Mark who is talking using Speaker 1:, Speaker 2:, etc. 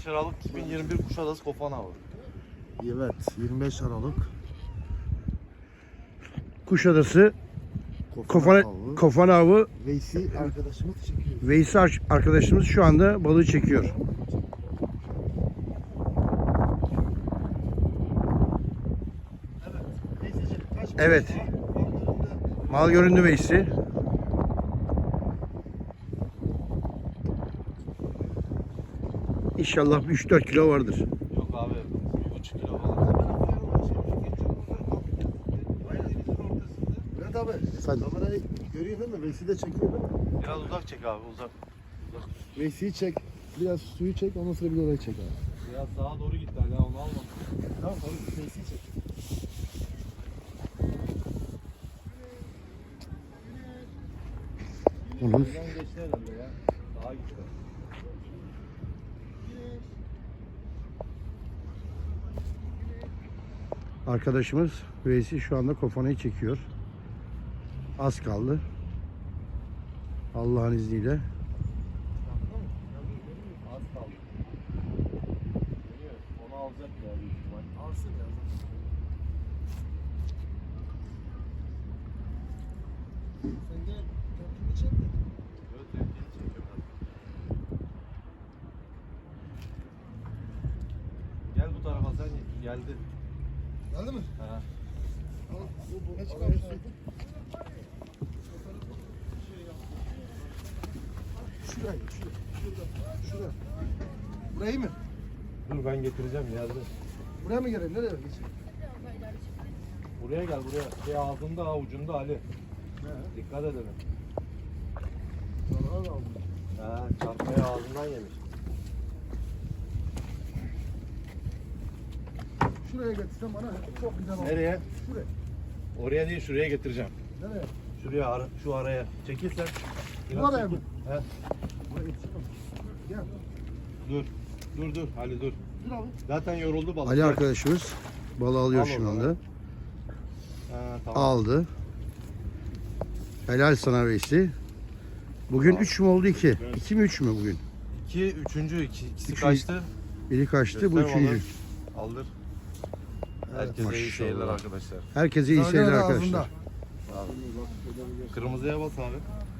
Speaker 1: 25 Aralık 2021 Kuşadası Kofan Avı.
Speaker 2: Evet, 25 Aralık.
Speaker 3: Kuşadası
Speaker 2: Kofan avı.
Speaker 3: Kofan Avı.
Speaker 2: Veysi arkadaşımız çekiyor.
Speaker 3: Veysi arkadaşımız şu anda balığı çekiyor. Evet. Mal göründü Veysi. İnşallah 3-4 kilo vardır.
Speaker 1: Yok abi 1,5 kilo falan.
Speaker 2: Evet abi. Sen kamerayı görüyor değil mi? Veysi de çekiyor değil mi?
Speaker 1: Biraz uzak çek abi uzak.
Speaker 2: Veysi'yi çek. Biraz suyu çek. Ondan sonra bir de orayı çek abi.
Speaker 1: Biraz sağa doğru gitti hala onu alma.
Speaker 2: Tamam abi. Veysi'yi çek.
Speaker 3: Onu
Speaker 1: Buradan geçti herhalde ya. Daha gitti.
Speaker 3: arkadaşımız Veysi şu anda kofanayı çekiyor. Az kaldı. Allah'ın izniyle.
Speaker 1: Az kaldı. Geliyor. Onu alacak ya büyük ihtimal.
Speaker 2: Alsın ya. Sen gel. Kendini çek de.
Speaker 1: Evet tehlikeli çekiyorum. Gel bu tarafa sen geldi.
Speaker 2: Geldi mi?
Speaker 1: Ha.
Speaker 2: Ne çıkarmış? Şuraya, şuraya. Burayı mı?
Speaker 1: Dur ben getireceğim ya. Dur.
Speaker 2: Buraya mı gelelim? Nereye geçelim?
Speaker 1: Buraya gel buraya. Şey ağzında avucunda Ali. Dikkat edelim.
Speaker 2: Zarar aldım.
Speaker 1: Ha, çarpmayı ağzından yemiş.
Speaker 2: Şuraya getirsen bana çok güzel olur.
Speaker 1: Nereye?
Speaker 2: Şuraya.
Speaker 1: Oraya değil şuraya getireceğim.
Speaker 2: Nereye?
Speaker 1: Şuraya şu araya. Çekilsen.
Speaker 2: Bu araya mı?
Speaker 1: He.
Speaker 2: Buraya getirsen. Gel.
Speaker 1: Dur. Dur Ali dur.
Speaker 2: Dur abi.
Speaker 1: Zaten yoruldu balık.
Speaker 3: Ali arkadaşımız balığı alıyor
Speaker 1: Al
Speaker 3: şu
Speaker 1: o zaman.
Speaker 3: anda.
Speaker 1: Ha, tamam.
Speaker 3: Aldı. Helal sana Veysi. Bugün 3 mü oldu 2? 2 mi 3 mü bugün?
Speaker 1: 2, üçüncü, ikisi
Speaker 3: Üçüncü.
Speaker 1: kaçtı.
Speaker 3: Biri kaçtı, bu
Speaker 1: Göster
Speaker 3: üçüncü.
Speaker 1: balığı. Aldır. Herkese iyi
Speaker 3: maşallah.
Speaker 1: seyirler arkadaşlar.
Speaker 3: Herkese iyi
Speaker 2: Zargar
Speaker 3: seyirler
Speaker 2: ağzında.
Speaker 3: arkadaşlar.
Speaker 1: Kırmızıya bas abi.